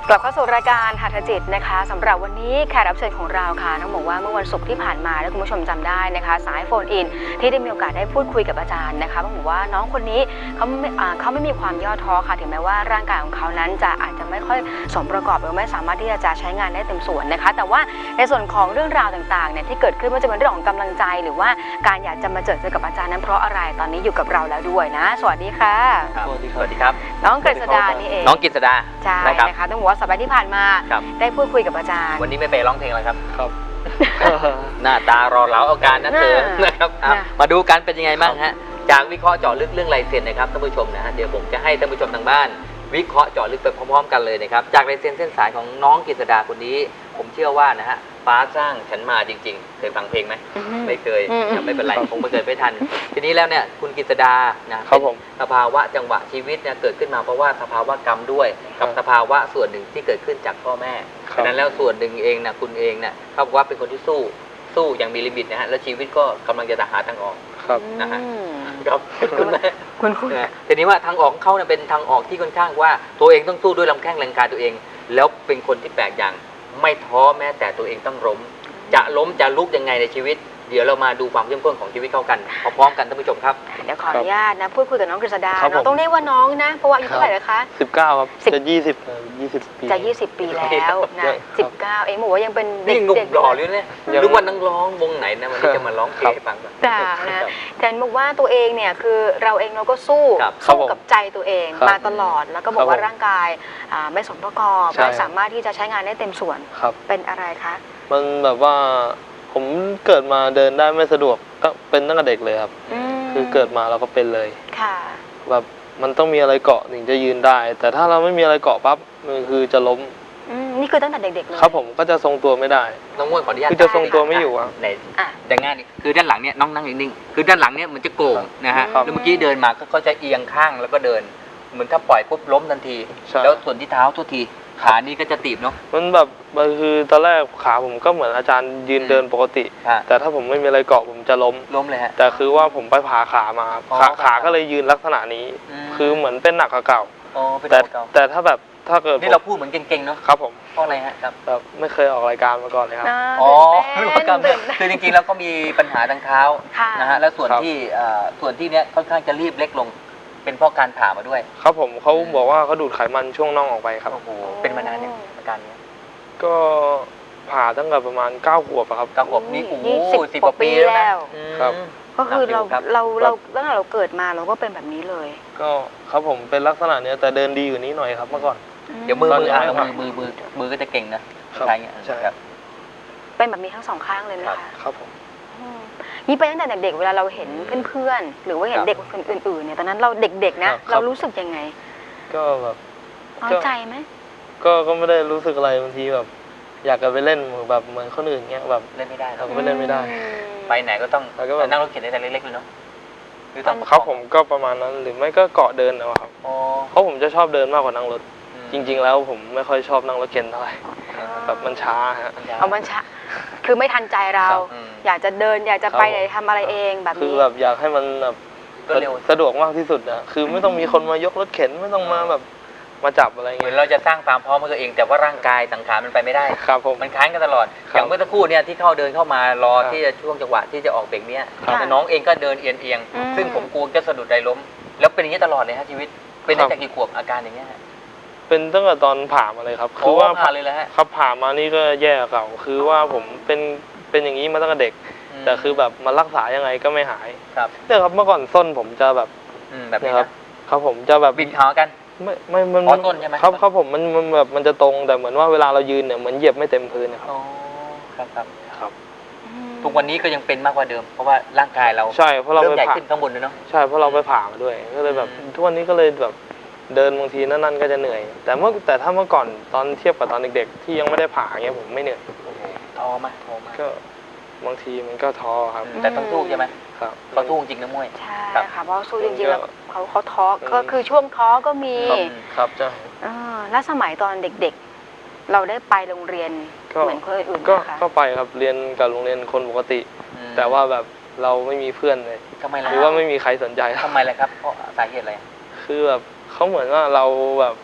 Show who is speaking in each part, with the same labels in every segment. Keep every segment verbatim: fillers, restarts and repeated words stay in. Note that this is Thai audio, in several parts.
Speaker 1: กลับเข้าสู่รายการหัตถจิตนะคะสำหรับวันนี้แขกรับเชิญของเราค่ะต้องบอกว่าเมื่อวันศุกร์ที่ผ่านมาถ้าคุณผู้ชมจำได้นะคะสายโฟนอินที่ได้มีโอกาสได้พูดคุยกับอาจารย์นะคะต้องบอกว่าน้องคนนี้เขาไม่เขาไม่มีความย่อท้อค่ะถึงแม้ว่าร่างกายของเขานั้นจะอาจจะไม่ค่อยสมประกอบหรือไม่สามารถที่จะใช้งานได้เต็มส่วนนะคะแต่ว่าในส่วนของเรื่องราวต่างๆเนี่ยที่เกิดขึ้นว่าจะเป็นเรื่องของกำลังใจหรือว่าการอยากจะมาเจอเจอกับอาจารย์นั้นเพราะอะไรตอนนี้อยู่กับเราแล้วด้วยนะสวัสดีค่ะ
Speaker 2: สวัสดีสวัสดีครับ
Speaker 1: น้องกฤษดานี่เอง
Speaker 2: น้องกฤษดา
Speaker 1: ใช่นะคะต้องบอกว่าสัปดาห์ที่ผ่านมาได้พูดคุยกับอาจารย์
Speaker 2: วันนี้ไม่ไปร้องเพลงอะไรครับครับหน้าตารอเหลาเอาการนั่นเถอะนะครับมาดูกันเป็นยังไงบ้างฮะจากวิเคราะห์เจาะลึกเรื่องลายเซ็นนะครับท่านผู้ชมนะฮะเดี๋ยวผมจะให้ท่านผู้ชมทางบ้านวิเคราะห์เจาะลึกไปพร้อมๆกันเลยนะครับจากลายเซ็นเส้นสายของน้องกฤษดาคนนี้ผมเชื่อว่านะฮะฟ้าสร้างฉันมาจริงๆเคยฟังเพลงไหมไม่เคยไม่เป็นไรคงไม่เคยไม่ทันทีนี้แล้วเนี่ยคุณกฤษดานะครับผมสภาวะจังหวะชีวิตเนี่ยเกิดขึ้นมาเพราะว่าสภาวะกรรมด้วยกับสภาวะส่วนหนึ่งที่เกิดขึ้นจากพ่อแม่ฉะนั้นแล้วส่วนหนึ่งเองนะคุณเองเนี่ยเขาบอกว่าเป็นคนที่สู้สู้อย่างมีลิมิตนะฮะแล้วชีวิตก็กำลังจะหาทางออกนะฮะครับคุณแม่
Speaker 1: คุณคุณ
Speaker 2: ทีนี้ว่าทางออกของเขาเนี่ยเป็นทางออกที่ค่อนข้างว่าตัวเองต้องสู้ด้วยลำแข้งแรงกายตัวเองแล้วเป็นคนที่แปลกอย่างไม่ท้อแม้แต่ตัวเองต้องล้มจะล้มจะลุกยังไงในชีวิตเดี๋ยวเรามาดูความเข้มข้นของชีวิตเข้ากันพร้อมๆกันท่านผู้ชมครับ
Speaker 1: เดี๋ยวขออนุญาตนะพูดคุยกับน้องกฤษดาเราต้องเรียกว่าน้องนะเพราะว่าอายุเท่าไหร่เลยคะ
Speaker 3: สิบเก้าครับจะยี่สิบยี่สิบปี
Speaker 1: จะยี่สิบปีแล้วนะสิบเก้าเองบอกว่ายังเป็นเด็ก
Speaker 2: หนุ่มหล่อเลยเนี่ยรู้ว่านักร้องวงไหนนะวันนี้จะมาร้องเพลงให้ฟัง
Speaker 1: จ้านะแต่บอกว่าตัวเองเนี่ยคือเราเองเราก็สู้สู้กับใจตัวเองมาตลอดแล้วก็บอกว่าร่างกายไม่สมประกอบไม่สามารถที่จะใช้งานได้เต็มส่วนเป็นอะไรคะ
Speaker 3: มันแบบว่าผมเกิดมาเดินได้ไม่สะดวกก็เป็นตั้งแต่เด็กเลยครับคือเกิดมาเราก็เป็นเลยค่ะแบบมันต้องมีอะไรเกาะถึงจะยืนได้แต่ถ้าเราไม่มีอะไรเกาะปั๊บมันคือจะล้ม
Speaker 1: นี่คือตั้งแต่เด็กๆเลย
Speaker 3: ครับผมก็จะทรงตัวไม่ได้
Speaker 2: น้องมวยขออนุญาต
Speaker 3: คือจะทรงตัวไม่อยู่อ่ะ
Speaker 2: ไหนแต่ง่ายนี่คือด้านหลังเนี่ยน้องนั่งนิ่งๆคือด้านหลังเนี่ยมันจะโก่งนะฮะแล้วเมื่อกี้เดินมาก็จะเอียงข้างแล้วก็เดินเหมือนถ้าปล่อยปุ๊บล้มทันทีแล้วส่วนที่เท้าทุกทีขานี่ก็จะตีบเนาะ
Speaker 3: มันแบบมันคือตอนแรกขาผมก็เหมือนอาจารย์ยืนเดินปกติแต่ถ้าผมไม่มีอะไรเกาะผมจะล้ม
Speaker 2: ล้มเลยฮะ
Speaker 3: แต่คือว่าผมไปผ่าขามาขาขาก็เลยยืนลักษณะนี้คือเหมือนเป็นหนักกว่าเก่าแต่แต่ถ้าแบบถ้าเกิด
Speaker 2: นี่เราพูดเหมือนเก่งๆเนาะ
Speaker 3: ครับผม
Speaker 2: เพราะอะไรฮะครับ
Speaker 3: แบบไม่เคยออกรายการมาก่อนเลยครับ
Speaker 2: อ๋อรู้กันคือจริงๆแล้วก็มีปัญหาทางเท้านะฮะแล้วส่วนที่ส่วนที่เนี้ยค่อนข้างจะรีบเล็กลงเป็นเพราะการผ่ามาด้วย
Speaker 3: ครับผมเขาบอกว่าเขาดูดไขมันช่วงน่องออกไปครับ
Speaker 2: โอ้โหเป็นมานานเนี่ยอาการนี้
Speaker 3: ก็ผ่าตั้งแต่ประมาณเก้าขวบครับ
Speaker 2: เก้าขวบนี่โอ้โหสิบกว่าปีแล้ว
Speaker 3: ครับ
Speaker 1: ก็คือเราเราเราตั้งแต่เราเกิดมาเราก็เป็นแบบนี้เลย
Speaker 3: ก็ครับผมเป็นลักษณะนี้แต่เดินดีอยู่นี้หน่อยครับเมื่อก่อน
Speaker 2: เดี๋ยวมือมืออ่ะมือมือมือมือก็จะเก่งนะใช่
Speaker 3: ใช่ครับ
Speaker 1: เป็นแบบนี้ทั้งสองข้างเลยนะคะ
Speaker 3: ครับผม
Speaker 1: นี่ไปตั้งแต่เด็กๆเวลาเราเห็นเพื่อนๆหรือว่าเห็นเด็กคนอื่นๆเนี่ยตอนนั้นเราเด็กๆนะเรารู้สึกยังไง
Speaker 3: ก็แบบ
Speaker 1: น้อยใจไหม
Speaker 3: ก็ก็ไม่ได้รู้สึกอะไรบางทีแบบอยากจะไปเล่นแบบเหมือนคนอื่นเงี้ยแบบ
Speaker 2: เล่นไม่ได้
Speaker 3: เราก็ไม่เล่นไม่ได้
Speaker 2: ไปไหนก็ต้องนั่งรถเข็นได้แต่เล็กๆเลยเนาะ
Speaker 3: หรือต้องเขาผมก็ประมาณนั้นหรือไม่ก็เกาะเดินนะครับเพราะผมจะชอบเดินมากกว่านั่งรถจริงๆแล้วผมไม่ค่อยชอบนั่งรถเข็นเท่าไหร่แบบมันช้าฮะ
Speaker 1: เอามันช้าคือไม่ทันใจเราอยากจะเดินอยากจะไปไหนทำอะไรเองแบบนี้
Speaker 3: คือแบบอยากให้มันแบบสะดวกมากที่สุดนะคือไม่ต้องมีคนมายกรถเข็นไม่ต้องมาแบบมาจับอะไรเงี้ย
Speaker 2: เหมือนเราจะสร้างความพร้อมให้ตัวเองแต่ว่าร่างกายสังขารมันไปไม่ได้
Speaker 3: ครับผม
Speaker 2: มันค้างกันตลอดอย่างเมื่อสักครู่เนี่ยที่เข้าเดินเข้ามารอที่จะช่วงจังหวะที่จะออกเบรกเนี้ยแต่น้องเองก็เดินเอียงเอียงซึ่งผมกลัวจะสะดุดใจล้มแล้วเป็นอย่างนี้ตลอดเลยฮะชีวิตเป็นตั้งแต่กี่ขวบอาการอย่างเงี้ย
Speaker 3: เป็นตั้งแต่ตอนผ่ามาเลยครับคือว่า
Speaker 2: ผ่าเลยแหละ
Speaker 3: ครับผ่ามานี่ก็แย่เก่าคือว่าผมเป็นเป็นอย่างนี้มาตั้งแต่เด็กแต่คือแบบมารักษายังไงก็ไม่หาย
Speaker 2: ครับ
Speaker 3: เนี่ยครับเมื่อก่อนส้นผมจะแบบ
Speaker 2: แบบนี้
Speaker 3: ครับครับผมจะแบบ
Speaker 2: บิดขากัน
Speaker 3: ไม่ไม่มัน
Speaker 2: ต้นใช่ไหม
Speaker 3: ครับครับผมมันมันแบบมันจะตรงแต่เหมือนว่าเวลาเรายืนเนี่ยเหมือนเหยียบไม่เต็มพื้นนะครับ
Speaker 2: อ๋อครับครับ
Speaker 3: ครับ
Speaker 2: ทุกวันนี้ก็ยังเป็นมากกว่าเดิมเพราะว่าร่างกายเรา
Speaker 3: ใช่เพราะเรา
Speaker 2: ไปผ่าขึ้นข้างบนเลยเนาะ
Speaker 3: ใช่เพราะเราไปผ่ามาด้วยก็เลยแบบทุกวันนี้ก็เลยแบบเดินบางทีนั่นๆก็จะเหนื่อยแต่เมื่อแต่ถ้าเมื่อก่อนตอนเทียบกับตอนเด็กๆที่ยังไม่ได้ผ่าเงี้ยผมไม่เหนื่อย
Speaker 2: ท้อไหมท้อไหม
Speaker 3: ก็บางทีมันก็ท้อครับ
Speaker 2: แต่ต้องสู้ใช่ไหม
Speaker 3: ครับ
Speaker 2: เขาสู้จริงนะมวย
Speaker 1: ใช่ค่ะเพราะสู้จริงๆแล้วเขาเขาท้อก็คือช่วงท้อก็มี
Speaker 3: ครับใช่
Speaker 1: แล้วสมัยตอนเด็กๆเราได้ไปโรงเรียนเหมือนคนอื่นๆ
Speaker 3: ก็ก็ไปครับเรียนกับโรงเรียนคนปกติแต่ว่าแบบเราไม่มีเพื่อนเลยหรือว่าไม่มีใครสนใจ
Speaker 2: ทำไมเลยครับเพราะสาเหตุอะไร
Speaker 3: คือแบบเขาเหมือนว่าเราแบบ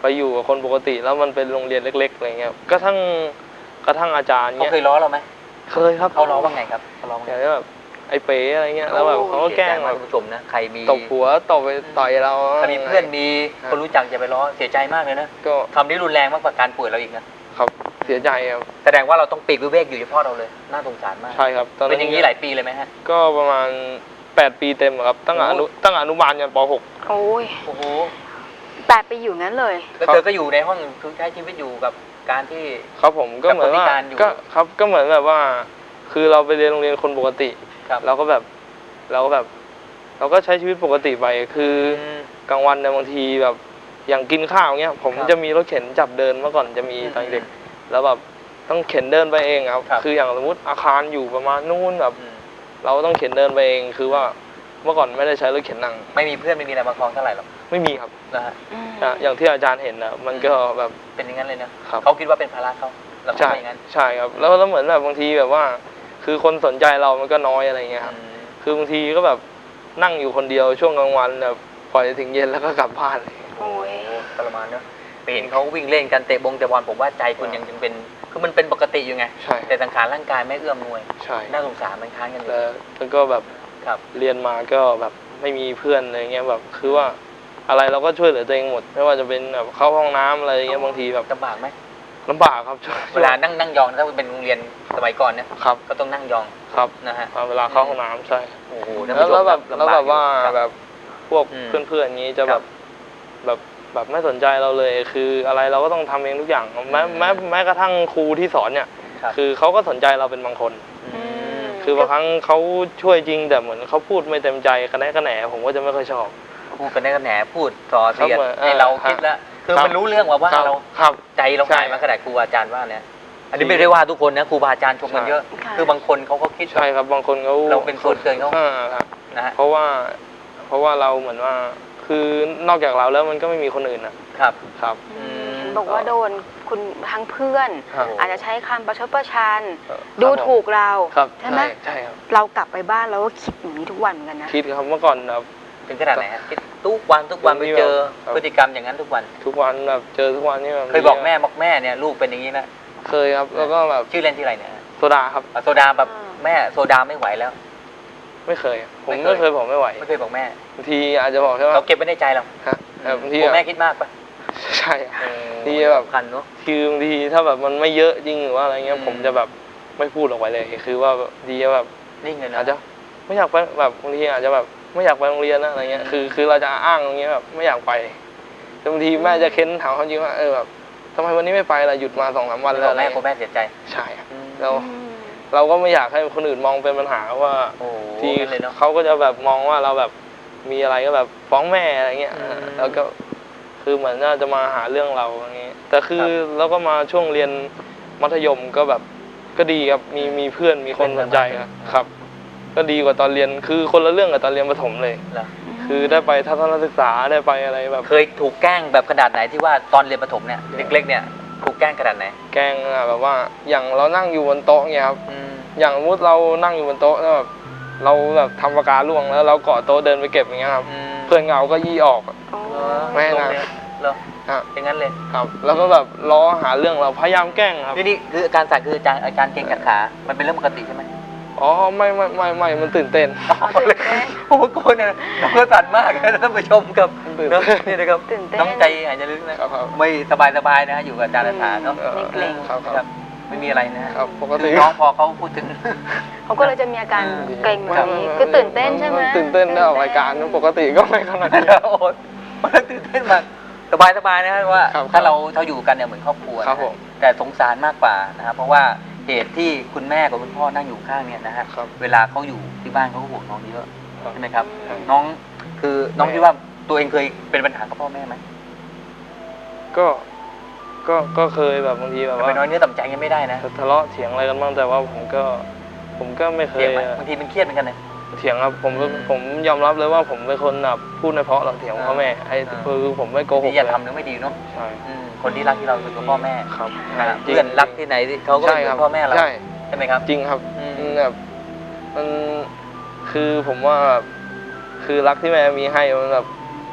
Speaker 3: ไปอยู่กับคนปกติแล้วมันเป็นโรงเรียนเล็กๆอะไรเงี้ยกระทั่งกระทั่งอาจารย์
Speaker 2: เขา
Speaker 3: เงี้ย
Speaker 2: เคยล้อเราไหม
Speaker 3: เคยครับ
Speaker 2: เขาล้อว่าไงครับเขาล้อว่า
Speaker 3: อ
Speaker 2: ไง
Speaker 3: ย่างนี้แบบไอ้เป๋อะไรเงี้ยแล้วแบบเขาก็แกล้ง
Speaker 2: เสียใจ
Speaker 3: แบ
Speaker 2: มาก
Speaker 3: บ
Speaker 2: คุณผู้ชมนะใครมี
Speaker 3: ตบหัวตบไปต่อยเรา
Speaker 2: ถ้ามีเพื่อนมีคนรู้จักอย่าไปล้อเสียใจมากเลยนะ
Speaker 3: ก็
Speaker 2: คำนี้รุนแรงมากกว่าการป่วยเราอีกนะครับ
Speaker 3: เสียใจครับ
Speaker 2: แสดงว่าเราต้องปีกวิเวกอยู่เฉพาะเราเลยน่าสงสารมาก
Speaker 3: ใช่ครับตอน
Speaker 2: เป็นอย่างนี้หลายปีเลยไหมฮะ
Speaker 3: ก็ประมาณแปดปีเต็มอะครับตั้งแต่อนุตั้งแต่อนุบาลยันป หก
Speaker 1: โอ้ย
Speaker 2: โอ้โห
Speaker 1: แปดไปอยู่งั้นเลย
Speaker 2: แล้วเธอก็อยู่ในห้องคือใช้ชีวิตอยู่กับการที่
Speaker 3: ครับผมก็เหมือนว่า
Speaker 2: กับคนพิการอยู่
Speaker 3: ก็ครับก็เหมือนแบบว่า คือเราไปเรียนโรงเรียนคนปกติ
Speaker 2: ครับ
Speaker 3: เราก็แบบเราก็แบบ เราก็ใช้ชีวิตปกติไปคือ
Speaker 2: อืม
Speaker 3: กลางวันเนี่ยบางทีแบบอย่างกินข้าวเงี้ยผม
Speaker 2: ครับ
Speaker 3: จะมีรถเข็นจับเดินเมื่อก่อนจะมี
Speaker 2: อืม
Speaker 3: ตอนเด็กแล้วแบบต้องเข็นเดินไปเองครับ
Speaker 2: ครับ
Speaker 3: คืออย่างสมมติอาคารอยู่ประมาณนู้นแบบ
Speaker 2: อืม
Speaker 3: เราต้องเข็นเดินไปเองคือว่าเมื่อก่อนไม่ได้ใช้รถเข็นนั่ง
Speaker 2: ไม่มีเพื่อนไม่มีอะไรมาคล้องเท่าไหร่หรอก
Speaker 3: ไม่มีครับ
Speaker 2: นะฮะ
Speaker 1: อืม
Speaker 3: อ่ะอย่างที่อาจารย์เห็นนะมันก็แบบ
Speaker 2: เป็นอย่างนั้นเลยนะครับ เขาคิดว่าเป็นภาระเขาเราคิด
Speaker 3: ใช่
Speaker 2: ว่าอย่างนั้น
Speaker 3: ใช่ครับแล้วแล้วเหมือนแบบบางทีแบบว่า คือคนสนใจเรามันก็น้อยอะไรเงี้ยครับ
Speaker 2: อืม
Speaker 3: คือบางทีก็แบบนั่งอยู่คนเดียวช่วงกลางวันแบบปล่อยถึงเย็นแล้วก็กลับบ้านเลย
Speaker 1: โอ้ย
Speaker 2: ทรมานเนอะไปเห็นเขาวิ่งเล่นกันเตะบงเตะบอลผมว่าใจคุณยังยังเป็นคือมันเป็นปกติอยู่ไง
Speaker 3: ใช่
Speaker 2: แต่สังขารร่างกายไม่เอื้อมหน่วย
Speaker 3: ใช่
Speaker 2: น่าสงสารมันค้านกันอยู่
Speaker 3: แล้วแล้วก็แบบ
Speaker 2: ครับ
Speaker 3: เรียนมาก็แบบไม่มีเพื่อนอะไรเงี้ยแบบคือว่าอะไรเราก็ช่วยเหลือตัวเองหมด ไม่ว่าจะเป็นแบบเข้าห้องน้ำอะไรเงี้ยบางทีแบบ
Speaker 2: ลำบากไหม
Speaker 3: ลำบากครับช่วย
Speaker 2: เวลานั่งนั่งยองถ้าเป็นโรงเรียนสมัยก่อนเนี่ย
Speaker 3: ครับ
Speaker 2: ก็ต้องนั่งยอง
Speaker 3: ครับ
Speaker 2: นะฮะ
Speaker 3: เวลาเข้าห้องน้ำใช่
Speaker 2: โอ้โหท่าน
Speaker 3: แล้ว
Speaker 2: ผู้ช
Speaker 3: แล้ว
Speaker 2: ม
Speaker 3: แบบ
Speaker 2: ลำ
Speaker 3: แล้วแบบว่า
Speaker 2: อยู่ครับ
Speaker 3: แบบพวก
Speaker 2: อืม
Speaker 3: เพื่อนๆอย่างนี้จะ
Speaker 2: ค
Speaker 3: แบ
Speaker 2: รั
Speaker 3: บบ แบบแบบไม่สนใจเราเลย คืออะไรเราก็ต้องทำเองทุกอย่างแม้
Speaker 2: อืม
Speaker 3: แม้แม้กระทั่งครูที่สอนเนี่ย
Speaker 2: ครับ
Speaker 3: คือเขาก็สนใจเราเป็นบางคน
Speaker 2: อืม
Speaker 3: คือบางครั้งเขาช่วยจริงแต่เหมือนเขาพูดไม่เต็มใจกระแนะกระแหนผมก็จะไม่ค่อยชอบ
Speaker 2: พูดกันได้กันแหนพูดส่อเสียด
Speaker 3: ครับ
Speaker 2: ให้เรา
Speaker 3: ครับ
Speaker 2: คิดแล้วคือ
Speaker 3: ครับ
Speaker 2: มันรู้เรื่องว่าว่า
Speaker 3: ครับ
Speaker 2: เรา
Speaker 3: ครับ
Speaker 2: ใจเรา
Speaker 3: ใช่
Speaker 2: หายมาขนาดครูอาจารย์ว่าเนี่ยอันนี้ไม่ได้ว่าทุกคนนะครูบาอาจารย์ชมกันเยอะ
Speaker 1: ค่ะ
Speaker 2: คือบางคนเขาก็คิด
Speaker 3: ใช่ครับบางคนเขา
Speaker 2: เราเป็นส่วนเกินเขา
Speaker 3: อ่ครับ
Speaker 2: นะฮะ
Speaker 3: เพราะว่าเพราะว่าเราเหมือนว่า คือนอกจากเราแล้วมันก็ไม่มีคนอื่นนะครับ ครับ
Speaker 1: อืมเห็นบอกว่าโดนคุณทั้งเพื่อน
Speaker 3: ครับ
Speaker 1: อาจจะใช้คำประชดประชัน
Speaker 3: ครับ
Speaker 1: ดูถูกเรา
Speaker 3: ครับ
Speaker 1: ใช่ไหม
Speaker 3: ใช่ครับ
Speaker 1: เรากลับไปบ้านเราก็คิดอย่างนี้ทุกวันเหมือนกันนะ
Speaker 3: คิดครับเมื่อก่อนแบบ
Speaker 2: ถึงขนาดไหนฮะคิดทุกวันทุกวันไปเจอ
Speaker 3: ครับ
Speaker 2: พฤติกรรมอย่างนั้นทุกวัน
Speaker 3: ทุกวันแบบเจอทุกวันนี่แบบ
Speaker 2: เคยบอกแม่บอกแม่เนี่ยลูกเป็นอย่างนี้นะ
Speaker 3: เคยครับแล้วก็แบบ
Speaker 2: ชื่อเล่นที่ออะไรเนี่ย
Speaker 3: โซดาครับ
Speaker 2: อ่ะโซดาแบบ
Speaker 1: อ่า
Speaker 2: แม่โซดาไม่ไหวแล้ว
Speaker 3: ไม่เคย ผม
Speaker 2: ไม่
Speaker 3: ไม่
Speaker 2: เค
Speaker 3: เค
Speaker 2: ย
Speaker 3: ยบอกไม่ไหว
Speaker 2: ไม่เคยบอกแม่
Speaker 3: บางทีอาจจะบอกแค่ว่า
Speaker 2: เราเก็บไว้ในใจเรา
Speaker 3: ฮะแต่บางที
Speaker 2: กลัว
Speaker 3: อะ
Speaker 2: แม่คิดมากปะ
Speaker 3: ใช่
Speaker 2: เออ
Speaker 3: ที่แบบ
Speaker 2: สำคัญเนาะ
Speaker 3: คือบางทีถ้าแบบมันไม่เยอะจริงหรือว่าอะไรเงี้ย
Speaker 2: อืม
Speaker 3: ผมจะแบบไม่พูดออกไปเลย คือว่าแบบดีแบบ
Speaker 2: นิ่งเลยนะ
Speaker 3: อาจจะไม่อยากไปแบบบางทีอาจจะแบบไม่อยากไปโรงเรียนนะอะไรเงี้ย
Speaker 2: อืม
Speaker 3: คือคือเราจะอ้างตรงเงี้ยแบบไม่อยากไปแต่บางทีแม่จะเค้นถามเขาจริงว่าเออแบบทำไมวันนี้ไม่ไปล่ะหยุดมาสองสามวัน
Speaker 2: ไม่
Speaker 3: แล้
Speaker 2: บ
Speaker 3: ว
Speaker 2: อก
Speaker 3: อะไร
Speaker 2: แม่กลัว
Speaker 3: เงี้ย
Speaker 2: แม่เสียใจ
Speaker 3: ใช่ครับ
Speaker 2: อืม
Speaker 3: เรา
Speaker 1: อืม
Speaker 3: เราก็ไม่อยากให้คนอื่นมองเป็นปัญหาว่า
Speaker 2: โอ้โห
Speaker 3: ที่
Speaker 2: งั้นเลยเนาะ
Speaker 3: เขาก็จะแบบมองว่าเราแบบมีอะไรก็แบบฟ้องแม่อะไรเงี้ย
Speaker 2: อืม
Speaker 3: แล้วก็คือเหมือนน่าจะมาหาเรื่องเราอย่างงี้แต่คือ
Speaker 2: ครับ
Speaker 3: แล้วก็มาช่วงเรียนมัธยมก็แบบก็ดีครับมีมีเพื่อนมีคนสนใจครับครับ ก็ดีกว่าตอนเรียนคือคนละเรื่องกับตอนเรียนประถมเลย
Speaker 2: เหรอ
Speaker 3: คือได้ไปทัศนศึกษาได้ไปอะไรแบบ
Speaker 2: เคยถูกแกล้งแบบขนาดไหนที่ว่าตอนเรียนประถมเนี่ยเล็กๆเนี่ยถูกแกล้งขนาดไหน
Speaker 3: แกล้งอะแบบว่าอย่างเรานั่งอยู่บนโต๊ะเงี้ยครับ
Speaker 2: อืม
Speaker 3: อย่างสมมติเรานั่งอยู่บนโต๊ะแล้วแบบเราแบบทำปากกาล่วงแล้วเราเกาะโต๊ะเดินไปเก็บอย่างเงี้ยครับ
Speaker 2: อืม
Speaker 3: เพื่อนเงาก็ยี่ออก
Speaker 1: โอ้
Speaker 2: เหรอ
Speaker 3: ไม่
Speaker 2: โรง
Speaker 3: นะ
Speaker 2: เรียนเหรอ
Speaker 3: ครับ
Speaker 2: อย่างนั้นเลย
Speaker 3: ครับ แล้วก็แบบล้อหาเรื่องเราพยายามแกล้งครับ
Speaker 2: นี่นี่คืออาการสั่นคืออาการอาการเกร็งกัดขามันเป็นเรื่องปกติใช่ไหม
Speaker 3: อ๋อไม่ไม่ไม่ไม่มันตื่นเต้น
Speaker 1: เอาตื่นเต้น
Speaker 2: โอ้โหโกนเนี่ยน้องก็สั่นมากนะท่านผู้ชมครับ
Speaker 3: ตื่น
Speaker 2: เนอะ
Speaker 3: เต้น
Speaker 2: นี่นะครับ
Speaker 1: ตื่นเต้น
Speaker 2: น้องใจหายใจลึกนะครับ
Speaker 3: ครับ
Speaker 2: ไม่สบายสบายๆนะฮะอยู่กับอาจารย์อาถาเนาะ
Speaker 3: เออ
Speaker 1: ไม่เกรง
Speaker 3: ครับค
Speaker 2: ค
Speaker 3: รั
Speaker 2: รับ บไม่มีอะไรนะฮะ
Speaker 3: ครับปก
Speaker 2: คื
Speaker 3: ติ
Speaker 2: อน้องพอเขาพูดถึง
Speaker 1: เขาก็เลยจะมีอาการเกรงแบบนี้
Speaker 3: มั
Speaker 1: คือตื่นเต้นใช่ไหม
Speaker 3: ตื่นเต้นได้ออกรายการปกติก็ไม่ขนาดนี้
Speaker 2: โอ้โหมันตื่นเต้นมากสบายสบายๆนะฮะว่า
Speaker 3: ครับ
Speaker 2: ถ้าเราเราอยู่กันเนี่ยเหมือนครอบครัว
Speaker 3: ครับ
Speaker 2: นะ
Speaker 3: ผ
Speaker 2: ฮะ
Speaker 3: ม
Speaker 2: แต่สงสารมากกว่านะครับเพราะว่าเหตุที่คุณแม่กับคุณพ่อนั่งอยู่ข้างเนี่ยนะฮะ
Speaker 3: ครับ
Speaker 2: เวลาเขาอยู่ที่บ้านเขาก็ห่วงน้องเยอะ
Speaker 3: ครับ
Speaker 2: ใช่ไหมครับ
Speaker 1: อืม
Speaker 2: น้องคือน้อง
Speaker 3: ไม่
Speaker 2: คิดว่าตัวเองเคยเป็นปัญหากับพ่อแม่ไหม
Speaker 3: ก็ก็ก็เคยแบบบางทีแบบ
Speaker 2: แต่
Speaker 3: ว่า
Speaker 2: ไปน้อยเนื้อต่ำใจยังไม่ได้นะ
Speaker 3: ทะเลาะเถียงอะไรกันบ้างแต่ว่าผมก็ ผมก็ไม่เค
Speaker 2: เถีย
Speaker 3: ย
Speaker 2: งไหมบางทีมันเครียดเหมือนกันเลย
Speaker 3: เถียงครับผมก็
Speaker 2: อืม
Speaker 3: ผมยอมรับเลยว่าผมเป็นคนแบบพูดไม่เพราะหรอกเถียงพ่อแม่ไอ้
Speaker 2: อ่า
Speaker 3: คือผมไม่โกหก
Speaker 2: ที่อย่า
Speaker 3: เลย
Speaker 2: ทำนึกไม่ดีเนาะ
Speaker 3: ใช่
Speaker 2: อืมคนที่รักที่เราคือตัวพ่อแม่
Speaker 3: ครับ
Speaker 2: อ่า
Speaker 3: จง
Speaker 2: เพื่อนรักที่ไหนเขาก็
Speaker 3: ใช่
Speaker 2: เป็น
Speaker 3: ครับ
Speaker 2: พ่อแม่เรา
Speaker 3: ใช่
Speaker 2: ใช่ไหมครับ
Speaker 3: จริงครับ
Speaker 2: อืม
Speaker 3: มันแบบมันคือผมว่าแบบคือรักที่แม่มีให้มันแบบ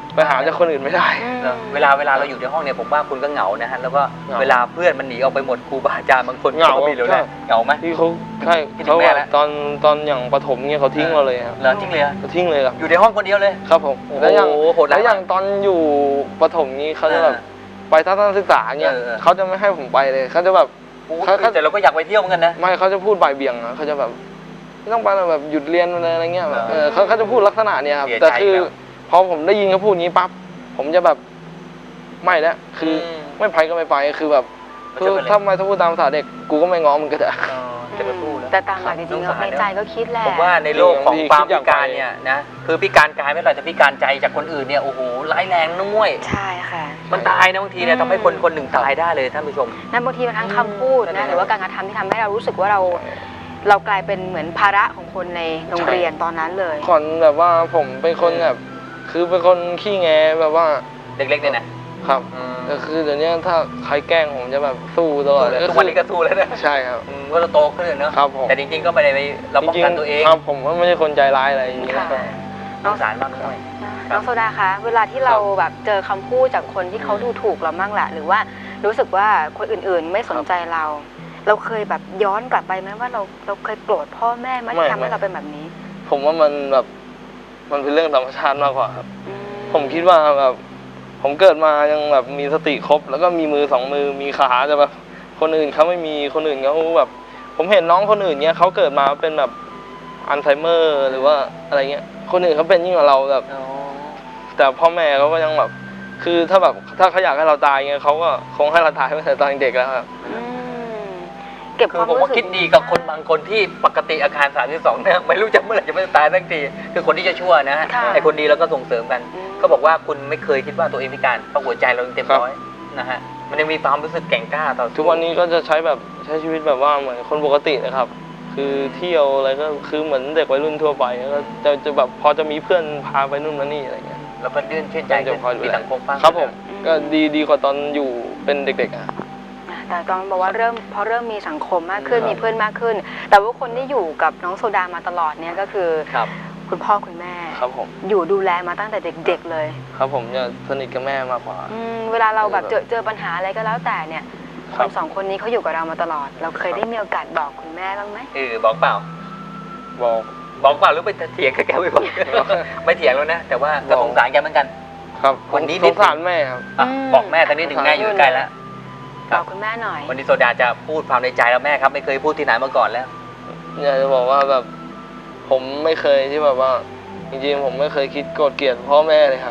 Speaker 3: ไปหาจากคนอื่นไม่ได้
Speaker 1: อืม
Speaker 2: เนอะเวลาเวลาเราอยู่ในห้องเนี่ยผมว่าคุณก็เหงานะฮะแล้วก็
Speaker 3: เหงา
Speaker 2: เวลาเพื่อนมันหนีออกไปหมดครูบาอาจารย์บางคน
Speaker 3: เหงา
Speaker 2: ก็ไม่รู้
Speaker 3: ใช่
Speaker 2: นะเหงาไหม
Speaker 3: ที่เขาใช่
Speaker 2: คิดถึ
Speaker 3: เขา
Speaker 2: งแม่
Speaker 3: แบบ
Speaker 2: แล้ว
Speaker 3: ตอนตอนอย่างประถมเนี่ยเขาทิ้งเราเลยครับ
Speaker 2: เหรอจริงเลยอะ
Speaker 3: เขาทิ้งเลยครับ
Speaker 2: อยู่ในห้องคนเดียวเลย
Speaker 3: ครับผม
Speaker 2: โอ้โห
Speaker 3: แล้วอย่าง
Speaker 2: โหดร้าย
Speaker 3: แล้วอย่างตอนอยู่ประถมนี้เขาจะแบบ
Speaker 2: อ่า
Speaker 3: ไปทัศนศึกษาเนี่ย
Speaker 2: เออเออ
Speaker 3: เขาจะไม่ให้ผมไปเลยเขาจะแบบ
Speaker 2: โอ้โห
Speaker 3: เขาเขา
Speaker 2: แต่เราก็อยากไปเที่ยวเหมือนกันนะ
Speaker 3: ไม่เขาจะพูดบ่ายเบี่ยงอะเขาจะแบบไม่ต้องไปหรอกแบบหยุดเรียนอะไรเงี้ยแบบ
Speaker 2: เอ
Speaker 3: เอ
Speaker 2: อ
Speaker 3: อเขาเขาจะพูดลักษณะเนี้ยครับ
Speaker 2: เสียใจ
Speaker 3: แต่คือ
Speaker 2: แล้ว
Speaker 3: พอผมได้ยินเขาพูดอย่างนี้ปั๊บผมจะแบบไม่แล้วคืออ
Speaker 2: ม
Speaker 3: ไม่ไปก็ไม่ไปคือแบบ
Speaker 2: มัน
Speaker 3: คื
Speaker 2: จะ
Speaker 3: อ
Speaker 2: เป็นอะไร
Speaker 3: ถ้าไม่ถ้าพูดตามภาษาเด็กกูก็ไม่ง้อมึงก็จะ
Speaker 2: เออจะมาสู้แล้ว
Speaker 1: แต่ตามหลักจริงๆแล้วในใจก็คิดแหละ
Speaker 2: ผมว่าในโลกของ
Speaker 3: จริงๆ
Speaker 2: ความ
Speaker 3: คิดอ
Speaker 2: พิ
Speaker 3: ย่าง
Speaker 2: การ
Speaker 3: ไป
Speaker 2: เนี่ยนะคือพิการกายไม่เป็นไรแต่พิการใจจากคนอื่นเนี่ยโอ้โหร้ายแรงนะมุ้ย
Speaker 1: ใช่ค่ะ
Speaker 2: มันตายนะบางทีเนี่ย
Speaker 1: อืม
Speaker 2: ทำให้คนคนหนึ่งตายได้เลยท่านผู้ชม
Speaker 1: นั่นบางทีมันทั้งคำพูด
Speaker 2: อื
Speaker 1: นะ
Speaker 2: ม
Speaker 1: หรือว่าการกระทำที่ทำให้เรารู้สึกว่าเราเรากลายเป็นเหมือนภาระของคนในโรงเรียนตอนนั้นเลย
Speaker 3: ก่อนแบบว่าผมเป็นคนแบบคือเป็นคนขี้แงแบบว่า
Speaker 2: เล็กๆเนี่ยนะครับ อืม
Speaker 3: แต่คือเดี๋ยวนี้ถ้าใครแกล้งผมจะแบบสู้ตลอดเลย
Speaker 2: ทุกวันนี้ก็สู้แล้วนะ
Speaker 3: ใช่ครับ
Speaker 2: อืมก็เราโตขึ้นเนอะ
Speaker 3: ครับผม
Speaker 2: แต่จริงๆก็ไม่ได้ไปเราป้องกันตัวเอง
Speaker 3: ครับผมก็ไม่ใช่คนใจร้ายอะไรอย่างนี้
Speaker 1: ค่ะ
Speaker 3: นะ
Speaker 2: สงสารมากด้วย
Speaker 1: น้องโซดาคะเวลาที่เราแบบเจอคำพูดจากคนที่เขาดูถูกเรามั่งแหละหรือว่ารู้สึกว่าคนอื่นๆไม่สนใจเรา เราเคยแบบย้อนกลับไปไหมว่าเราเราเคยโกรธพ่อแม่ไหมที่ทำให้เราเป็นแบบนี้
Speaker 3: ผมว่ามันแบบมันเป็นเรื่องธรรมชาติมากกว่าครับ
Speaker 1: อื
Speaker 3: ผมคิดว่าแบบผมเกิดมายังแบบมีสติครบ แล้วก็มีมือสองมือมีขาแต่แบบคนอื่นเขาไม่มีคนอื่นเขาแบบ ผมเห็นน้องคนอื่นเนี้ยเขาเกิดมาเป็นแบบอัลไซเมอร์หรือว่าอะไรเงี้ยคนอื่นเขาเป็นยิ่งกว่าเราแบบ
Speaker 2: อ๋อ
Speaker 3: แต่พ่อแม่เขาก็ยังแบบ คือถ้าแบบถ้าเขาอยากให้เราตายเงี้ยเขาก็คงให้เราตายตั้งแต่ตอนเด็กแล้วครับ
Speaker 1: อืมเก็บ
Speaker 2: คื
Speaker 1: ค
Speaker 2: อ
Speaker 1: วาม
Speaker 2: ผม
Speaker 1: รู้
Speaker 2: ว่า
Speaker 1: สึก
Speaker 2: คิดดีกับคนบางคนที่ปกติอาคารสามสิบสองเนี่ยไม่รู้จะเมื่อไหร่จะไม่ตายสักทีคือคนที่จะชั่วนะฮะ
Speaker 1: ค่ะ
Speaker 2: ไอคนดีเราก็ส่งเสริมกัน
Speaker 1: อืม
Speaker 2: ก็บอกว่าคุณไม่เคยคิดว่าตัวเองพิการเพราะหัวใจเรายังเต็ม
Speaker 3: ครับ
Speaker 2: ร้อยนะฮะมันยังมีความรู้สึกแกร่งกล้าต่อสู้
Speaker 3: ทุกวันนี้ก็จะใช้แบบใช้ชีวิตแบบว่าเหมือนคนปกตินะครับ คือเที่ยวอะไรก็คือเหมือนเด็กวัยรุ่นทั่วไปก็จะจะแบบพอจะมีเพื่อนพาไปนู่นมานี่อะไรเงี้ย
Speaker 2: แล้วก็ยื่นชื่นใจ
Speaker 3: จะคอยดู
Speaker 2: มี
Speaker 3: แล
Speaker 2: สังคมบ้าง
Speaker 3: ครับผม
Speaker 1: อืม
Speaker 3: ก็ดีดีกว่าตอนอยู่เป็นเด็กๆอ่ะ
Speaker 1: แต่ตอนบอกว่าเริ่มพอเริ่มมีสังคมมากขึ้น
Speaker 3: ครับ
Speaker 1: มีเพื่อนมากขึ้น แต่ว่าคนที่อยู่กับน้องโซดามาตลอดเนี่ยก็คือ
Speaker 2: ครับ
Speaker 1: คุณพ่อคุณแม่
Speaker 3: ครับผม
Speaker 1: อยู่ดูแลมาตั้งแต่เด็ก ๆ เลย
Speaker 3: ครับผมจะสนิทกับแม่มากกว่า
Speaker 1: อืมเวลาเราแบบเจอเจอปัญหาอะไรก็แล้วแต่เนี่ย
Speaker 3: ค
Speaker 1: ค
Speaker 3: รั
Speaker 1: น
Speaker 3: บ
Speaker 1: สองคนนี้เขาอยู่กับเรามาตลอด เราเคยได้มีโอกาสบอกคุณแม่บ้างไหม
Speaker 2: เออบอกเปล่า
Speaker 3: บอก
Speaker 2: บอกเปล่าหรือไปเถียงกับแกไม่บอก ไม่เถียงแล้วนะ แต่ว่าก็สงสารแกเหมือนกัน
Speaker 3: ครับ
Speaker 2: วันนี้
Speaker 3: สงสารแม่ครับ
Speaker 2: อ่ะบอกแม่ตอนนี้ถึงแม่อยู่ใกล้แล้ว
Speaker 1: บอกคุณแม่หน่อย
Speaker 2: วันนี้โซดาจะพูดความในใจแล้วแม่ครับไม่เคยพูดที่ไหนมาก่อนแล้ว
Speaker 3: อยากจะบอกว่าแบบผมไม่เคยที่แบบว่า จริงๆผมไม่เคยคิดโกรธเกลียดพ่อแม่เลยครับ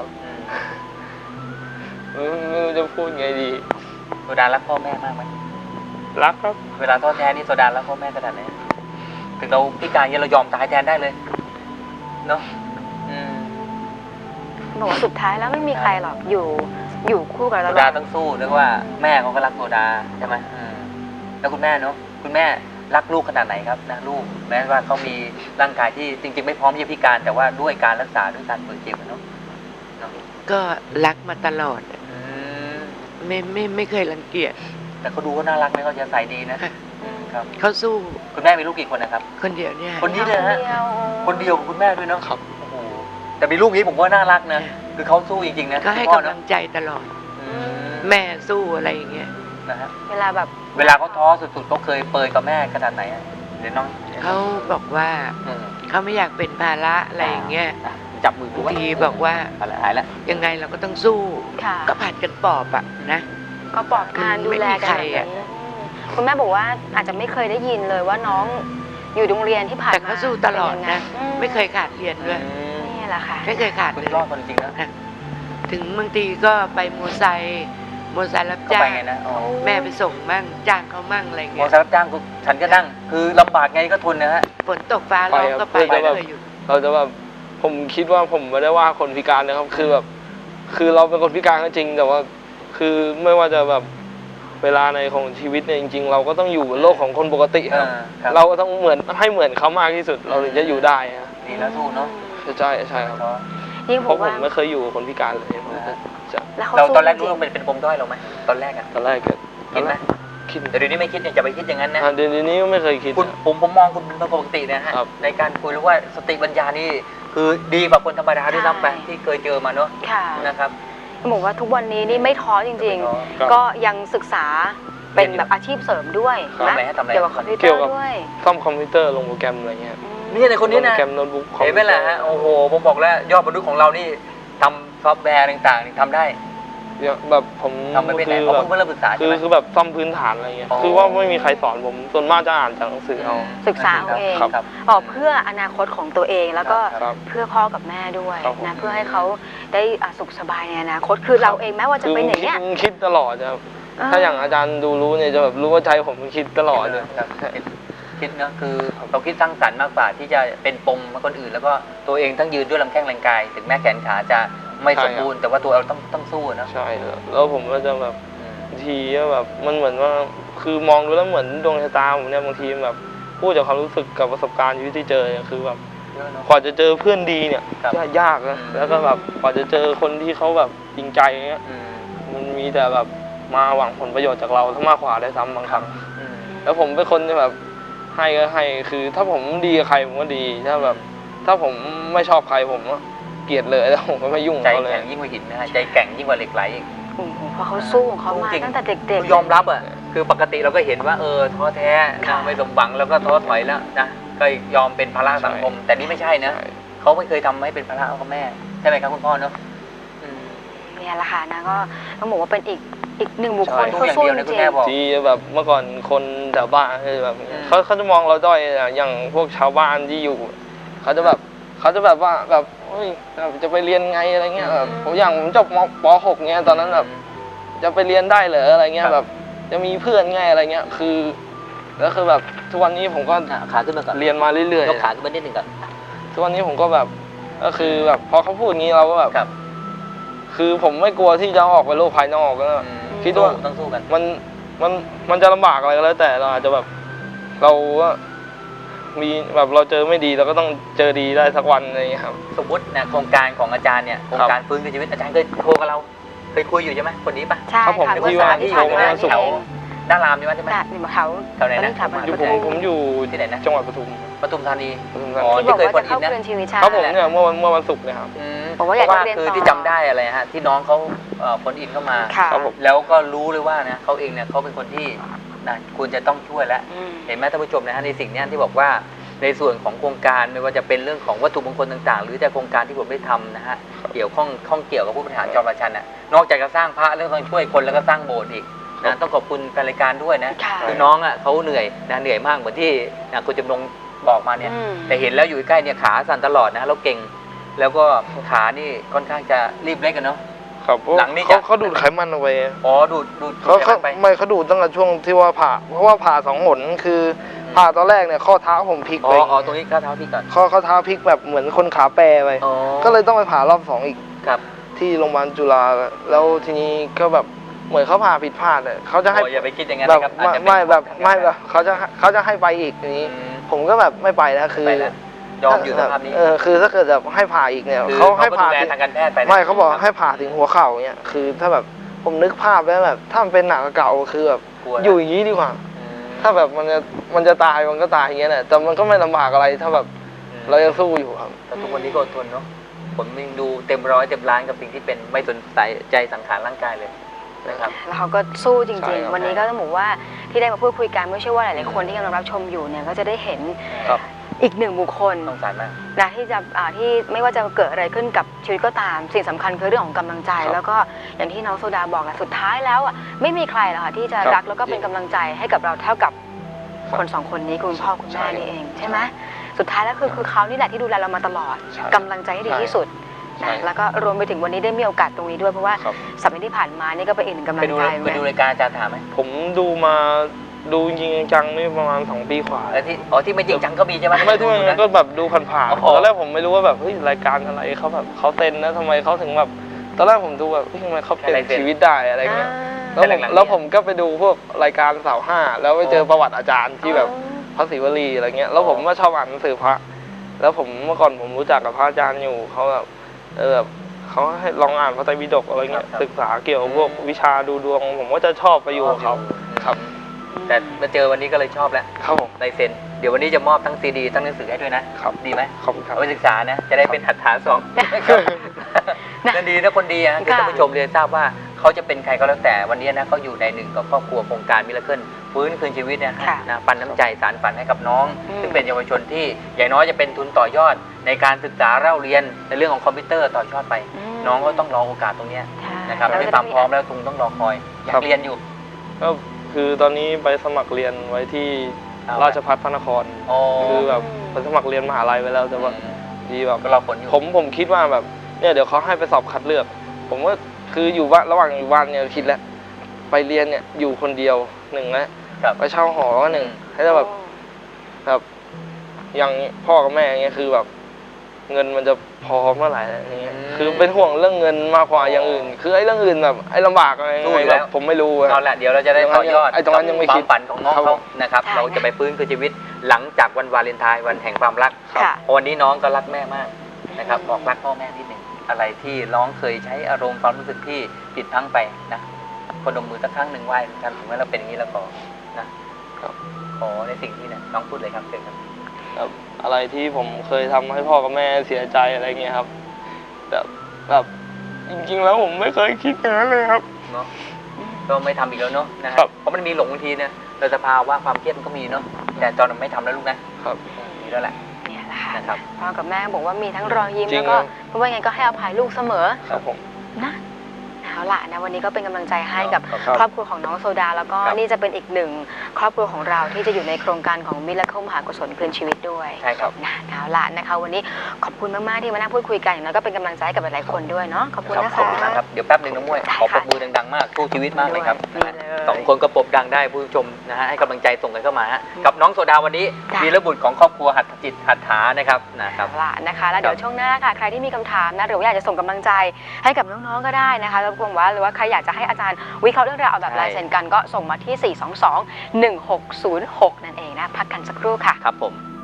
Speaker 3: ไม่ไม่รู้จะพูดไงดี
Speaker 2: โซดารักพ่อแม่มากไหม
Speaker 3: รักครับ
Speaker 2: เวลาท้อแท้นี่โซดารักพ่อแม่ขนาดไหนถึงเราพิการยังเรายอมตายแทนได้เลยเนาะอืม
Speaker 1: บอกว่าสุดท้ายแล้วไม่มีใครหรอกอยู่อยู่คู่กับ
Speaker 2: โซ
Speaker 1: เรา
Speaker 2: ดาต้องสู้เรียกว่าแม่เขาก็รักโซดาใช่ไหมอืมแล้วคุณแม่เนาะคุณแม่รักลูกขนาดไหนครับนะลูกแม้ว่าเขามีร่างกายที่จริง ๆ ไม่พร้อมที่จะพิการ แต่ว่าด้วยการรักษาด้วยการฝึกจิตเนาะเนาะ
Speaker 4: ก็รักมาตลอด
Speaker 2: อืม
Speaker 4: ไม่ไม่ไม่เคยรังเกียจ
Speaker 2: แต่เขาดูเขาน่ารักนะเขาจะใส่ดีนะ
Speaker 1: อืม
Speaker 2: ครับ
Speaker 4: เขาสู้
Speaker 2: คุณแม่มีลูกกี่คนนะครับ
Speaker 4: คนเดียวเนี่ย
Speaker 2: คนนี้เลยฮะ
Speaker 1: ดีว
Speaker 2: คนเดียวกับคุณแม่ด้วยเนาะ
Speaker 3: ครับ
Speaker 2: โอ้โหแต่มีลูกนี้ผมว่าน่ารักนะคือเขาสู้จริงๆนะ
Speaker 4: ก็ให้
Speaker 2: คุณพ่อก
Speaker 4: ำ
Speaker 2: เน
Speaker 4: ลั
Speaker 2: อะ
Speaker 4: งใจตลอด
Speaker 2: อืม
Speaker 4: แม่สู้อะไรอย่างเงี้ย
Speaker 2: นะฮะ
Speaker 1: เวลาแบบ
Speaker 2: เวลาเขาท้อสุดๆเขาเคยเปรยกับแม่ขนาดไหนอะเดี๋ยวน้อง
Speaker 4: เขาบอกว่า
Speaker 2: อืม
Speaker 4: เขาไม่อยากเป็นภาระอะไรอย่างเงี้ย
Speaker 2: อ่ะจับมือกูไว้
Speaker 4: ทีบอกว่า
Speaker 2: อะไรหายแล้ว
Speaker 4: ยังไงเราก็ต้องสู้
Speaker 1: ค่ะ
Speaker 4: ก็ผัดกันปอบอะนะ
Speaker 1: ก็ปลอบการดูแลกันแบบ
Speaker 4: ไม่มีใคร
Speaker 1: นี้
Speaker 4: อะ
Speaker 1: อืมคุณแม่บอกว่าอาจจะไม่เคยได้ยินเลยว่าน้องอยู่โรงเรียนที่ผ่านมา
Speaker 4: แต่เขาสู้ตลอด
Speaker 1: เป็ยังไง
Speaker 4: นะ
Speaker 1: อื
Speaker 4: ไม่เคยขาดเรียนด้วย
Speaker 2: อืม
Speaker 1: นี่แหละค่ะ
Speaker 4: ไม่เคยขาด
Speaker 2: คุณ
Speaker 4: เลย
Speaker 2: รอดคนจริงนะ
Speaker 4: ถึงบางทีก็ไปมอไซค์มอไซค์รับ
Speaker 2: เขา
Speaker 4: จ้า
Speaker 2: ไป
Speaker 4: ง
Speaker 2: ไงนะอ๋อ
Speaker 4: แม่ไปส่งมั่งจ้างเขามั่งอะไร
Speaker 2: มอ
Speaker 4: เงี้ย
Speaker 2: เตอร์ไซค์รับจ้างกูฉันก็นั่ง คือลำบากไงก็ทนนะฮะ
Speaker 4: ฝนตกฟ้าร้องก็ไป
Speaker 3: ไปครับ
Speaker 4: เคยอยู่
Speaker 3: เราจะแบบผมคิดว่าผมไม่ได้ว่าคนพิการนะครับ คือแบบ คือเราเป็นคนพิการก็จริง แต่ว่า คือไม่ว่าจะแบบเวลาในของชีวิตเนี่ยจริง ๆ เราก็ต้องอยู่บนโลกของคนปกติครับ
Speaker 2: เออครับ
Speaker 3: เราก็ต้องเหมือนให้เหมือนเขามากที่สุด เราถึงจะอยู่ได้อะ
Speaker 2: ดีแล้วสู้เนาะ
Speaker 3: ใช่ใช่ครับ
Speaker 2: ท้อ
Speaker 1: ยิ่ง
Speaker 3: เพ
Speaker 1: ผม
Speaker 3: ราะผ
Speaker 1: ว่าม
Speaker 3: ไม่เคยอยู่กับคนพิการเลยผมจะจะ
Speaker 1: แล้วเขา
Speaker 2: เรา
Speaker 1: สู้
Speaker 2: ตอนแรก
Speaker 1: จ
Speaker 2: รู้
Speaker 1: ริง
Speaker 2: ว่าเป็นเป็นปมด้อยเราไหมตอนแรกอะ
Speaker 3: ตอนแรกก็
Speaker 2: คิดไหม
Speaker 3: คิด
Speaker 2: แต่เดี๋ยวนี้ไม่คิดเนี่ยจะไปคิดอย่างนั้นนะ
Speaker 3: อ่าเดี๋ยวนี้ก็ไม่เคยคิด
Speaker 2: คุณ
Speaker 3: นะ
Speaker 2: ผมผมมองคุณเป็นปกตินะฮะ
Speaker 3: ครับ
Speaker 2: ในการคุยรู้ว่าสติปัญญานี่คือคือดีกว่าคนธรรมดาด้วยซ้ำไป
Speaker 1: ใช่
Speaker 2: ที่เคยเจอมาเนอะ
Speaker 1: ค่ะ
Speaker 2: นะครับ
Speaker 1: บอกว่าทุกวันนี้นี่ไม่ท้อจริง
Speaker 2: ไม่ท้อ
Speaker 1: ๆ ก็ยังศึกษาเป็นแบบอาชีพเสริมด้วย
Speaker 2: ทำอะไรฮะทำอะไร
Speaker 1: เกี่ยวกับคอมพิวเตอ
Speaker 3: เกี่ยว
Speaker 1: ร์
Speaker 3: กับ
Speaker 1: ด้วย
Speaker 3: ซ่อมคอมพิวเตอร์ลงโปรแกรมอะไรเงี้ย
Speaker 1: อืม
Speaker 2: นี่ในคนนี้
Speaker 3: ลงโป
Speaker 2: นะ
Speaker 3: รแกรมโน้ตบุ๊กคอม
Speaker 2: เห็นไหมล่ะฮะโอ้โหผมบอกแล้วยอดมนุษย์ของเรานี่ทำซอฟต์แวร์ต่างๆนี่ทำได้
Speaker 3: แบบผม
Speaker 2: ทำไม่เป็น
Speaker 3: คื
Speaker 2: ไหน
Speaker 3: อ
Speaker 2: เขา
Speaker 3: แบบ
Speaker 2: เพิ่งเริ่มศึกษา
Speaker 3: คื
Speaker 2: ใช่
Speaker 3: อ
Speaker 2: ไหม
Speaker 3: คือแบบซ่อมพื้นฐานอะไรเงี้ย
Speaker 2: อ๋อ
Speaker 3: คือว่าไม่มีใครสอนผมส่วนมากจะอ่านจากหนังสือเอา
Speaker 1: ศึกษาเอาเอง
Speaker 3: ครับ
Speaker 2: ครับ
Speaker 1: ออกเพื่ออนาคตของตัวเองแล้วก็
Speaker 3: ครับ
Speaker 1: เพื่อพ่อกับแม่ด้วย
Speaker 3: ครับผม
Speaker 1: นะเพื่อให้เขาได้อ่ะสุขสบายในอนาคตคือเราเองแม้ว่าจะ
Speaker 3: คือ
Speaker 1: เป็นอย่าง
Speaker 3: คิด
Speaker 1: เนี้ย
Speaker 3: คิดตลอดจะถ้าอย่างอาจารย์ดูรู้เนี่ยจะแบบรู้ว่าใจผมคิดตลอดเลย
Speaker 2: ครับคิดคิดเนอะคือเราคิดสร้างสรรค์มากกว่าที่จะเป็นปมมาคนอื่น แล้วก็ตัวเองทั้งยืนด้วยลำแข้งแรงกาย ถึงแม้แขนขาจะไม่สมบูรณ์แต่ว่าตัวเราต้องต้องสู้นะ
Speaker 3: ใช่แล้วแล้วผมก็จะแบบ
Speaker 2: อืม
Speaker 3: บางทีก็แบบมันเหมือนว่าคือมองดูแล้วเหมือนดวงชะตาผมเนี่ยบางทีแบบพูดจากความรู้สึกกับประสบการณ์ชีวิตที่เจอเนี่ยคือแบบ
Speaker 2: เยอะเนอะ
Speaker 3: กว่าจะเจอเพื่อนดีเนี่ย
Speaker 2: ครับ
Speaker 3: ยากยากนะ
Speaker 2: อืม
Speaker 3: แล้วก็แบบกว่าจะเจอคนที่เขาแบบจริงใจอย่างเงี้ย
Speaker 2: อืม
Speaker 3: มันมีแต่แบบมาหวังผลประโยชน์จากเราทั้งมากกว่าได้วยซ้ำบางครั้ง
Speaker 2: อืม
Speaker 3: แล้วผมเป็นคนที่แบบให้ก็ให้คือถ้าผมดีกับใครผมก็ดีถ้าแบบ ถ้าผมไม่ชอบใครผมก็เกลียดเลยแล้วผมก็ไม่ยุ่ง
Speaker 2: ใจ
Speaker 3: เขาเลย
Speaker 2: แข็งยิ่งกว่าหินนะฮะใจแข็งยิ่งกว่าเหล็กไหลอีก
Speaker 1: โอ้โหเพราะเขาสู้ของเขามา
Speaker 2: จริง
Speaker 1: ตั้งแต่เด็ก
Speaker 2: ยอมรับอ่ะคือปกติเราก็เห็นว่าเออท้อแท้
Speaker 1: ค่ะ
Speaker 2: นะไม่สมหวังแล้วก็ท้อถอยแล้วนะก็ยอมเป็นภาระสังคม แต่นี่ไม่ใช่นะ
Speaker 3: ใช่
Speaker 2: เขาไม่เคยทำให้เป็นภาระเขาแม่ใช่ไหมครับคุณพ่อเนาะอืม
Speaker 1: เนี่ยแหละค่ะนะก็ต้องบอกว่าเป็นอีกอีกหนึ่งบุคคล
Speaker 2: ใช่
Speaker 1: ที่สู้
Speaker 2: อย่างเดียวนะ
Speaker 1: จ
Speaker 2: คุณ
Speaker 1: ริง
Speaker 2: แม่บอก
Speaker 3: ที่แบบเมื่อก่อนคนแถวบ้านคือแบบ
Speaker 2: อืม
Speaker 3: เขาเขาจะมองเราด้อยอะอย่างพวกชาวบ้านที่อยู่เขาจะแบบเขาจะแบบว่าแบบเฮ้ยแบบจะไปเรียนไงอะไรเงี้ยแบบผมอย่างผมจบมป .หก เงี้ยตอนนั้นแบบจะไปเรียนได้เหรออะไรเงี้
Speaker 2: ครั
Speaker 3: ย
Speaker 2: บ
Speaker 3: แบบจะมีเพื่อนไงอะไรเงี้ยคือแล้วคือแบบทุกวันนี้ผมก็
Speaker 2: อ่ะขาขึ้นมาก่อน
Speaker 3: เรียนมาเรื่อย
Speaker 2: ยกขาขึ้นมานิดหนึ่งก่อน
Speaker 3: ๆทุกวันนี้ผมก็แบบก็คือแบบพอเขาพูดงี้เราก็แบบ
Speaker 2: ครับ
Speaker 3: คือผมไม่กลัวที่จะออกไปโลกภายนอกก็
Speaker 2: อืม
Speaker 3: คิดว่า
Speaker 2: สู้ต้องสู้กัน
Speaker 3: มันมันมันจะลำบากอะไรก็แล้วแต่เราอาจจะแบบเราก็มีแบบเราเจอไม่ดีเราก็ต้องเจอดีได้สักวันอะไรอย่างเงี้ยครับ
Speaker 2: สมมตินะโครงการของอาจารย์เนี่ยโครงการฟื้นคืนชีวิตอาจารย์เคยโทรกับเราเคยคุยอยู่ใช่ไหมคนนี้ปะ
Speaker 1: ใช่
Speaker 3: ครับผม
Speaker 1: ค่ะ
Speaker 3: ที่
Speaker 1: เมื่อ
Speaker 3: ว่า
Speaker 1: สามที่ผ่านมา
Speaker 3: ที่
Speaker 1: นี่
Speaker 3: โทร
Speaker 1: เอ
Speaker 3: มา
Speaker 1: ง
Speaker 2: ด้านรามใช่ไหมใช่ไหม
Speaker 1: จากนี่มาเขา
Speaker 2: แถวไหนนะ
Speaker 1: ตอถาม
Speaker 3: อยู่ผมผมอยู่
Speaker 2: ที่ไหนนะ
Speaker 3: จังหวัดปทุม
Speaker 2: ปทุมธานี
Speaker 3: ปทุมธา
Speaker 2: อ๋อ
Speaker 3: นี
Speaker 1: ที่บอกว่า
Speaker 2: ที่เคย
Speaker 1: จะเข้า
Speaker 2: คนอินนะ
Speaker 1: คืนชีวิตใช่
Speaker 3: ครับผมเนี่ยเมื่อวันเมื่อวันศุกร์เนี่ยครับ
Speaker 2: อืม
Speaker 1: บอกว่าอยาก
Speaker 2: เพราะ
Speaker 1: จะ
Speaker 2: ว่า
Speaker 1: เรียน
Speaker 2: คือ
Speaker 1: ต่อ
Speaker 2: ที่จำได้อะไรฮะที่น้องเขาเอ่อผลอินเข้ามา
Speaker 1: ค่ะ
Speaker 3: ครับผม
Speaker 2: แล้วก็รู้เลยว่านะเขาเองเนี่ยเขาเป็นคนที่นะควรจะต้องช่วยแล้ว
Speaker 1: อืม
Speaker 2: เห็นไหมท่านผู้ชมนะฮะในสิ่งเนี้ยที่บอกว่าในส่วนของโครงการไม่ว่าจะเป็นเรื่องของวัตถุมงคลต่างๆ หรือแต่โครงการที่ผมได้ทำนะฮะเกี่ยวข้องข้องเกี่ยวกับผู้บริหารจอมราชันน่ะนอกจากจะสร้างพระแล้วต้องช่วยคนแล้วก็สร้างโบสถ์อีกนะต้องขอบคุณแฟนรายการด้วยนะ
Speaker 1: ค่ะ
Speaker 2: คือน้องอ่ะเขาเหนื่อยนะเหนื่อยมากเหมือนที่นะคุณจำนงบอกมาเนี่ย
Speaker 1: อืม
Speaker 2: แต่เห็นแล้วอยู่ใกล้เนี่ยขาสั่นตลอดนะแล้วเก่ง แล้วก็ขานี่ค่อนข้างจะรีบเล็กกันเนาะ
Speaker 3: ครับเพราะ
Speaker 2: หลังนี่
Speaker 3: เขา
Speaker 2: จะ
Speaker 3: เขาดูดไขมันเอาไว้
Speaker 2: อ๋อดูดดูด
Speaker 3: เขา
Speaker 2: ดูด
Speaker 3: เขา
Speaker 2: ไป
Speaker 3: ไม่เขาดูดตั้งแต่ช่วงที่ว่าผ่าเพราะว่าผ่าสองหนคือผ่าตอนแรกเนี่ยข้อเท้าผมพลิก
Speaker 2: อ๋
Speaker 3: ไป
Speaker 2: ออ๋อตรงนี้ข้าเท้าพี่ก่อน
Speaker 3: ข้อข้อเท้าพลิกแบบเหมือนคนขาแปรไป
Speaker 2: อ๋อ
Speaker 3: ก็เลยต้องไปผ่ารอบสองอีก
Speaker 2: ครับ
Speaker 3: ที่โรงพยาบาลจุฬาแล้วทีนี้ก็แบบเหมือนเขาผ่าผิดพลาดเลยเขาจะให้
Speaker 2: โอ้อย่าไปคิดอย่างนั้น
Speaker 3: แบบ
Speaker 2: นะครับอาจ
Speaker 3: ไม่
Speaker 2: จะเป็น
Speaker 3: ไม่แบบ
Speaker 2: ทาง
Speaker 3: ไม่
Speaker 2: การ
Speaker 3: แบบเขาจะเขาจะให้ไปอีกทีนี้
Speaker 2: อืม
Speaker 3: ผมก็แบบไม่ไปแล้วคือ
Speaker 2: ไปแล้วยอมอยู่สภาพนี้
Speaker 3: เออคือถ้าเกิดแบบให้ผ่าอีกเนี่ย
Speaker 2: คือ
Speaker 3: เขาให้
Speaker 2: ก็
Speaker 3: ผ่า
Speaker 2: ดูแล
Speaker 3: ถึง
Speaker 2: ทางการแพทย์ไปนะ
Speaker 3: ไม่เขาบอกให้ผ่าถึงหัวเข่าเนี่ยคือถ้าแบบผมนึกภาพแล้วแบบถ้ามันเป็นหนักเก่าคือแบบ
Speaker 2: กลัวนะ
Speaker 3: อยู่อย่างนี้ดีกว่า
Speaker 2: อืม
Speaker 3: ถ้าแบบมันจะมันจะตายมันก็ตายอย่างเงี้ยแหละแต่มันก็ไม่ลำบากอะไรถ้าแบบ
Speaker 2: อืม
Speaker 3: เรายังสู้อยู่ครับ
Speaker 2: แต่ทุกวันนี้ก็อดทนเนาะผมยังดูเต็มร้อยเต็มล้านกับสิ่งที่เป็นไม่สนใจสังขารร่างกายเลยนะครับ
Speaker 1: แล้วเขาก็สู้จ
Speaker 3: ใช่
Speaker 1: ริง
Speaker 3: ครับ
Speaker 1: ๆ วันนี้ก็ต้องบอกว่าที่ได้มาพูดคุยกันไม่ใช่ว่าหลายๆคนที่กำลังรับชมอยู่เนี่ยก็จะได้เห็น
Speaker 3: ครับ
Speaker 1: อีกหนึ่งบุคคล
Speaker 2: สงสารมาก
Speaker 1: นะที่จะอ่าที่ไม่ว่าจะเกิดอะไรขึ้นกับชีวิตก็ตาม สิ่งสำคัญคือเรื่องของกำลังใจ
Speaker 3: ครับ
Speaker 1: แล้วก็อย่างที่น้องโซดาบอกอะสุดท้ายแล้วอะไม่มีใครหรอกค่ะที่จะ
Speaker 3: ครับ
Speaker 1: รักแล้วก็เป็นกำลังใจให้กับเราเท่ากับ
Speaker 3: ครับ
Speaker 1: คนสองคนนี้คุณพ่อคุณ
Speaker 3: ใช่
Speaker 1: แม่นี่เองใช่ไหมสุดท้ายแล้วคือคือเขานี่แหละที่ดูแลเรามาตลอด
Speaker 3: ใช่
Speaker 1: กำลังใจให้ดีที่สุด
Speaker 3: ใช่
Speaker 1: นะแล้วก็รวมไปถึงวันนี้ได้มีโอกาสตรงนี้ด้วยเพราะว่า
Speaker 3: ครับ
Speaker 1: สัปดาห์ที่ผ่านมานี่ก็เป็นอีกหนึ่งกำลั
Speaker 2: ไป
Speaker 1: ง
Speaker 2: ดู
Speaker 1: ใจ
Speaker 2: ไปดูรายการอาจารย์ถามไหม
Speaker 3: ผมดูมาดูจริงๆจังๆนี่ประมาณสองปีกว่า
Speaker 2: แล้วที่อ๋อที่ไม่จริงจังก็มีใช่ไหม
Speaker 3: ไม่ที่มันก็แบบดูผ่าน
Speaker 2: โอ้
Speaker 3: ๆ
Speaker 2: โห
Speaker 3: ตอนแรกผมไม่รู้ว่าแบบเฮ้ยรายการอะไรเขาแบบเขาเซ็นนะทำไมเขาถึงแบบตอนแรกผมดูแบบเฮ้ยทำไมเขาเปลี่ยนชีวิตได้อะไรเงี้ย แล้วผมแล้วผมก็ไปดูพวกรายการเสาห้าแล้วไปเจอประวัติอาจารย์ที่แบบพระศิวลีอะไรเงี้ยแล้วผมก็ชอบอ่านหนังสือพระ แล้วผมเมื่อก่อนผมรู้จักกับพระอาจารย์อยู่เขาแบบเออแบบเขาให้ลองอ่านพระไตรปิฎกอะไรเงี้ยศึกษาเกี่ยวกับพวกวิชาดูดวง ผมก็จะชอบไปอยู่กับเขาครับ
Speaker 2: อแต่มาเจอวันนี้ก็เลยชอบแล้ว
Speaker 3: ครับผม
Speaker 2: ลายเซ็นเดี๋ยววันนี้จะมอบทั้งซีดีทั้งหนังสือให้ด้วยนะครับ ดีไหม
Speaker 3: ขอบคุณครับ
Speaker 2: เอาไปศึกษานะจะได้เป็นหัตถาสองนั่นดีนะคนดีนะคือท่านผู้ชมเรียนทราบว่าเขาจะเป็นใครก็แล้วแต่วันนี้นะเขาอยู่ในหนึ่งกับครอบครัวโครงการมิราเคิลฟื้นคืนชีวิตนะนะปันน้ำใจสารฝันให้กับน้อง ซึ่งเป็นเยาวชนที่อย่างน้อยจะเป็นทุนต่อยอดในการศึกษาเล่าเรียนในเรื่องของคอมพิวเตอร์ต่อยอดไป น้องก็ต้องรอโอกาสตรงนี้นะครับไม่ความพร้อมแล้วตุงต้องรอคอยอยากเรียนอยู่
Speaker 3: ก็คือตอนนี้ไปสมัครเรียนไว้ที่ราชภัฏพระนครคือแบบไปสมัครเรียนมหาลัยไว้แล้วแต่ว่าดีแบบ
Speaker 2: ก็รอผลอยู่
Speaker 3: ผมผมคิดว่าแบบเนี่ยเดี๋ยวเขาให้ไปสอบคัดเลือก ผมก็คืออยู่บ้านระหว่างอยู่บ้านเนี่ยคิดแล้วไปเรียนเนี่ยอยู่คนเดียวหนึ่งแล้วไปเช่าหอก็หนึ่งให้ได้แบบแบบอย่างพ่อกับแม่อย่างเงี้ยคือแบบเงินมันจะพอเมื่อไหร่อะไรเงี้ยคือเป็นห่วงเรื่องเงินมากกว่าอย่างอื่น คือไอ้เรื่องอื่นแบบไอ้ลำบากอะไรแบบผมไม่รู้
Speaker 2: เอาละเดี๋ยวเราจะได้ต่อยอด
Speaker 3: ไอ้ตรงนั้นยังไม่คิด
Speaker 2: ความฝันของน้องเขานะครับเราจะไปฟื้นคืนชีวิตหลังจากวันวาเลนไทน์วันแห่งความรักเพราะวันนี้น้องก็รักแม่มากนะครับบอกรักพ่อแม่นิดหนึ่งอะไรที่น้องเคยใช้อารมณ์ความรู้สึกที่ผิดพลั้งไปนะพนมมือสักครั้งหนึ่งไหว้กันถึงแม้เราเป็นอย่างนี้แล้วก็นะขอในสิ่งที่เนี่ยน้องพูดเลยครับเชิญครับ
Speaker 3: อะไรที่ผมเคยทำให้พ่อกับแม่เสียใจอะไรเงี้ยครับแบบแบบจริงๆแล้วผมไม่เคยคิดอย่างนั้นเลยครับ
Speaker 2: เนาะก็ไม่ทำอีกแล้วเนาะนะครับเพราะมันมีหลงบางทีเนี่ยเราจะพาว่าความเครียดมันก็มีเนาะแต่ตอนนั้นไม่ทำแล้วลูกนะครับนี่แล้วแหละ
Speaker 1: เนี่ยแหละค่ะ
Speaker 2: นะครับ
Speaker 1: พ่อกับแม่บอกว่ามีทั้งรอยยิ้มแล้วก็เพราะว่าไงก็ให้อภัยลูกเสมอ
Speaker 3: ครับผม
Speaker 1: นะเอาล่ะนะวันนี้ก็เป็นกำลังใจให้กับครอบครัวของน้องโซดาแล้วก็นี่จะเป็นอีกหนึ่งครอบครัวของเราที่จะอยู่ในโครงการของมิราเคิลมหากุศลคืนชีวิตด้วย
Speaker 2: ใช่ครับ
Speaker 1: นะเอาล่ะนะคะวันนี้ขอบคุณมากๆที่มานั่งพูดคุยกันอย่างน้อยก็เป็นกำลังใจกับหลายๆคนด้วยเนาะขอบคุณนะคะ
Speaker 2: ขอบคุณครับเดี๋ยวแป๊บหนึ่งน้องมวยขอปรบมือดังๆมากสู้ชีวิตมากเลยครับสองคนก็ปรบดังได้ผู้ชมนะฮะให้กำลังใจส่งกันเข้ามาฮะกับน้องโซดาวันนี้วีรบุตรของครอบครัวหัตถจิตหัตถานะครับนะครับ
Speaker 1: เอาล่ะนะคะแล้วเดี๋ยวช่วงหน้าค่ะใครที่มีคำถามนะหรือว่าอยากจะส่งกำลังใจให้กับน้องๆก็ได้นะคะรบกวนว่าหรือว่าใครอยากจะให้อาจารย์วิเคราะห์เรื่องราวเอาแบบลายเซ็นกันก็ส่งมาที่ สี่ สอง สอง หนึ่ง หก ศูนย์ หก นั่นเองนะพักกันสักครู่ค่ะ
Speaker 2: ครับผม